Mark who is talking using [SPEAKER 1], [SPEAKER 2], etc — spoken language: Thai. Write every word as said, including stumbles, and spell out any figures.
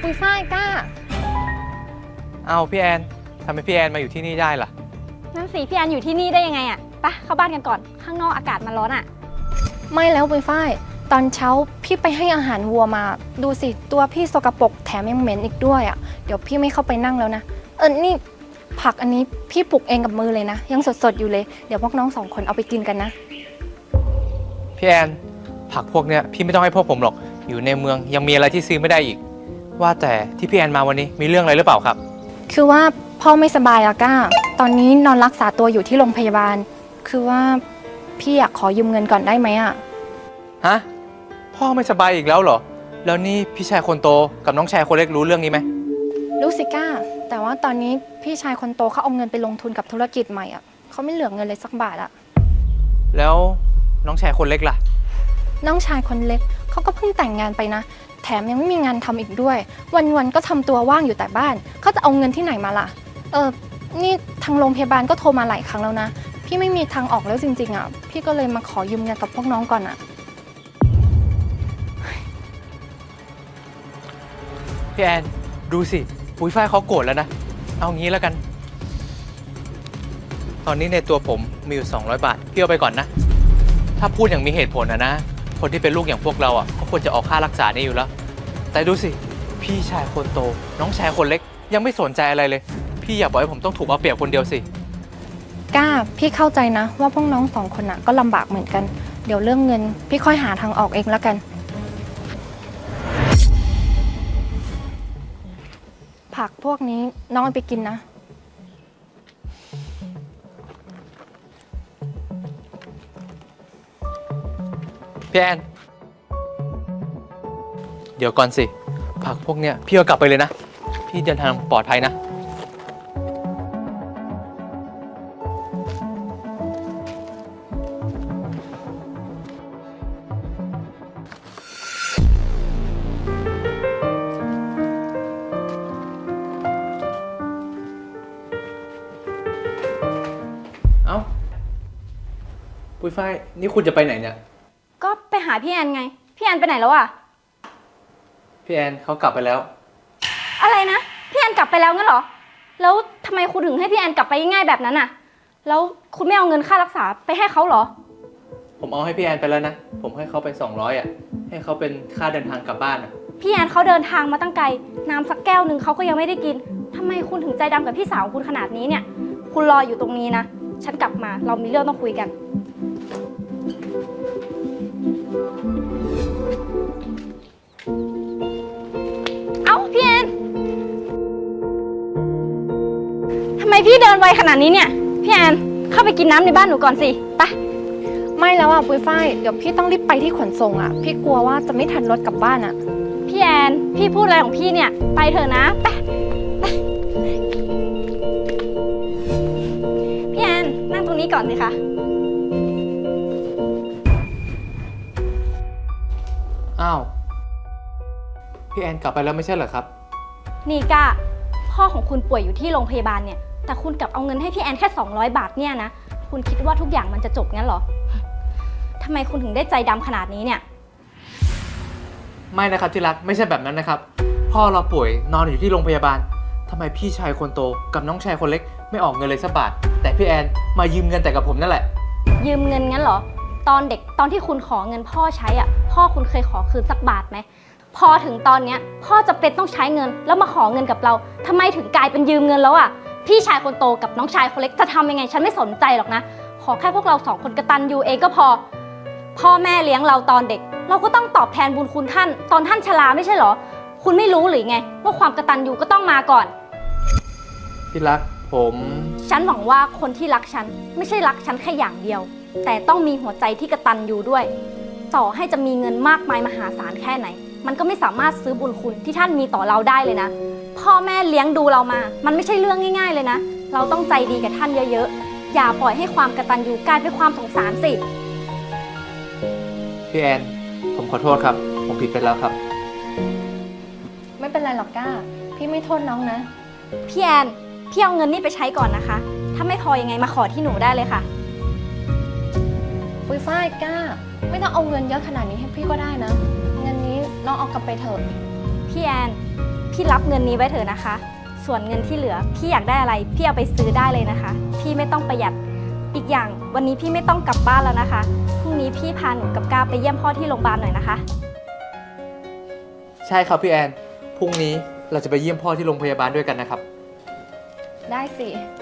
[SPEAKER 1] ปุยฝ้ายกล้า
[SPEAKER 2] เอาพี่แอนทำไมพี่แอนมาอยู่ที่นี่ได้ล่ะ
[SPEAKER 3] นั่นสิพี่แอนอยู่ที่นี่ได้ยังไงอะไปเข้าบ้านกันก่อนข้างนอกอากาศมันร้อนอะ
[SPEAKER 1] ไม่แล้วปุยฝ้ายตอนเช้าพี่ไปให้อาหารวัวมาดูสิตัวพี่สกปรกแถมยังเหม็นอีกด้วยอ่ะเดี๋ยวพี่ไม่เข้าไปนั่งแล้วนะเออนี่ผักอันนี้พี่ปลูกเองกับมือเลยนะยังสดๆอยู่เลยเดี๋ยวพวกน้องสองคนเอาไปกินกันนะ
[SPEAKER 2] พี่แอนผักพวกเนี้ยพี่ไม่ต้องให้พวกผมหรอกอยู่ในเมืองยังมีอะไรที่ซื้อไม่ได้อีกว่าแต่ที่พี่แอนมาวันนี้มีเรื่องอะไรหรือเปล่าครับ
[SPEAKER 1] คือว่าพ่อไม่สบายอะก้าตอนนี้นอนรักษาตัวอยู่ที่โรงพยาบาลคือว่าพี่อยากขอยืมเงินก่อนได้ไหมอะ
[SPEAKER 2] ฮะพ่อไม่สบายอีกแล้วเหรอแล้วนี่พี่ชายคนโตกับน้องชายคนเล็กรู้เรื่องนี้ไหม
[SPEAKER 1] รู้สิก้าแต่ว่าตอนนี้พี่ชายคนโตเขาเอาเงินไปลงทุนกับธุรกิจใหม่อะเขาไม่เหลือเงินเลยสักบาทอะ
[SPEAKER 2] แล้วน้องชายคนเล็กล่ะ
[SPEAKER 1] น้องชายคนเล็กเขาก็เพิ่งแต่งงานไปนะแถมยังไม่มีงานทำอีกด้วยวันๆก็ทำตัวว่างอยู่แต่บ้านเขาจะเอาเงินที่ไหนมาล่ะเออนี่ทางโรงพยาบาลก็โทรมาหลายครั้งแล้วนะพี่ไม่มีทางออกแล้วจริงๆอ่ะพี่ก็เลยมาขอยืมเงินกับพวกน้องก่อนอ่ะ
[SPEAKER 2] พี่แอนดูสิปุ้ยฝ้ายเขาโกรธแล้วนะเอางี้แล้วกันตอนนี้ในตัวผมมีอยู่สองร้อยบาทพี่เอาไปก่อนนะถ้าพูดอย่างมีเหตุผลนะนะคนที่เป็นลูกอย่างพวกเราอ่ะก็ควรจะออกค่ารักษานี่อยู่แล้วแต่ดูสิพี่ชายคนโตน้องชายคนเล็กยังไม่สนใจอะไรเลยพี่อย่าบอกให้ผมต้องถูกเอาเปรียบคนเดียวสิ
[SPEAKER 1] ก้าพี่เข้าใจนะว่าพวกน้องสองคนน่ะก็ลำบากเหมือนกันเดี๋ยวเรื่องเงินพี่ค่อยหาทางออกเองแล้วกันผักพวกนี้น้องเอาไปกินนะ
[SPEAKER 2] พี่แอนเดี๋ยวก่อนสิผักพวกเนี้ยพี่เอากลับไปเลยนะพี่เดินทางปลอดภัยนะเอ้าปุ้ยฝ้ายนี่คุณจะไปไหนเนี่ย
[SPEAKER 3] ก็ไปหาพี่แอนไงพี่แอนไปไหนแล้วอะ
[SPEAKER 2] พี่แอนเขากลับไปแล้ว
[SPEAKER 3] อะไรนะพี่แอนกลับไปแล้วงั้นเหรอแล้วทำไมคุณถึงให้พี่แอนกลับไปง่ายๆแบบนั้นอะแล้วคุณไม่เอาเงินค่ารักษาไปให้เขาเหรอ
[SPEAKER 2] ผมเอาให้พี่แอนไปแล้วนะผมให้เขาไปสองร้อยอ่ะให้เขาเป็นค่าเดินทางกลับบ้านอ่ะ
[SPEAKER 3] พี่แอนเขาเดินทางมาตั้งไกลน้ำสักแก้วหนึ่งเขาก็ยังไม่ได้กินทำไมคุณถึงใจดำกับพี่สาวคุณขนาดนี้เนี่ยคุณรออยู่ตรงนี้นะฉันกลับมาเรามีเรื่องต้องคุยกันเอ้าพี่แอนทำไมพี่เดินไวขนาดนี้เนี่ยพี่แอนเข้าไปกินน้ำในบ้านหนูก่อนสิไป
[SPEAKER 1] ไม่แล้วอ่ะปุ้ยฝ้ายเดี๋ยวพี่ต้องรีบไปที่ขนส่งอ่ะพี่กลัวว่าจะไม่ทันรถกลับบ้านอ่ะ
[SPEAKER 3] พี่แอนพี่พูดอะไรของพี่เนี่ยไปเถอะนะไปไปพี่แอนนั่งตรงนี้ก่อนสิคะ
[SPEAKER 2] อ้าวพี่แอนกลับไปแล้วไม่ใช่เหรอครับ
[SPEAKER 3] นี่ก้าพ่อของคุณป่วยอยู่ที่โรงพยาบาลเนี่ยแต่คุณกลับเอาเงินให้พี่แอนแค่สองร้อยบาทเนี่ยนะคุณคิดว่าทุกอย่างมันจะจบงั้นเหรอทำไมคุณถึงได้ใจดำขนาดนี้เนี่ย
[SPEAKER 2] ไม่นะครับที่รักไม่ใช่แบบนั้นนะครับพ่อเราป่วยนอนอยู่ที่โรงพยาบาลทำไมพี่ชายคนโตกับน้องชายคนเล็กไม่ออกเงินเลยสักบาทแต่พี่แอนมายืมเงินแต่กับผมนั่นแหละ
[SPEAKER 3] ยืมเงินงั้นเหรอตอนเด็กตอนที่คุณขอเงินพ่อใช้อ่ะพ่อคุณเคยขอคืนสักบาทไหมพอถึงตอนเนี้ยพ่อจะเป็นต้องใช้เงินแล้วมาขอเงินกับเราทำไมถึงกลายเป็นยืมเงินแล้วอ่ะพี่ชายคนโตกับน้องชายคนเล็กจะทำยังไงฉันไม่สนใจหรอกนะขอแค่พวกเราสองคนกตัญญูเองก็พอพ่อแม่เลี้ยงเราตอนเด็กเราก็ต้องตอบแทนบุญคุณท่านตอนท่านชราไม่ใช่เหรอคุณไม่รู้หรือไงว่าความกตัญญูก็ต้องมาก่อน
[SPEAKER 2] พี่รักผม
[SPEAKER 3] ฉันหวังว่าคนที่รักฉันไม่ใช่รักฉันแค่อย่างเดียวแต่ต้องมีหัวใจที่กตัญญูด้วยต่อให้จะมีเงินมากมายมหาศาลแค่ไหนมันก็ไม่สามารถซื้อบุญคุณที่ท่านมีต่อเราได้เลยนะพ่อแม่เลี้ยงดูเรามามันไม่ใช่เรื่องง่ายๆเลยนะเราต้องใจดีกับท่านเยอะๆอย่าปล่อยให้ความกตัญญูกลายเป็นความสงสารสิ
[SPEAKER 2] พี่แอนผมขอโทษครับผมผิดไปแล้วครับ
[SPEAKER 1] ไม่เป็นไรหรอกก้าพี่ไม่โทษน้องนะ
[SPEAKER 3] พี่แอนพี่เอาเงินนี่ไปใช้ก่อนนะคะถ้าไม่พอยังไงมาขอที่หนูได้เลยค่ะ
[SPEAKER 1] ปุ้ยฝ้ายก้าไม่ต้องเอาเงินเยอะขนาดนี้ให้พี่ก็ได้นะเงินนี้น้องเอากลับไปเถอะ
[SPEAKER 3] พี่แอนพี่รับเงินนี้ไว้เถอะนะคะ ส่วนเงินที่เหลือพี่อยากได้อะไรพี่เอาไปซื้อได้เลยนะคะ พี่ไม่ต้องประหยัดอีกอย่างวันนี้พี่ไม่ต้องกลับบ้านแล้วนะคะพรุ่งนี้พี่พาหนูกับก้าวไปเยี่ยมพ่อที่โรงพยาบาลหน่อยนะคะ
[SPEAKER 2] ใช่ครับพี่แอน พรุ่งนี้เราจะไปเยี่ยมพ่อที่โรงพยาบาลด้วยกันนะครับ
[SPEAKER 1] ได้สิ
[SPEAKER 3] ค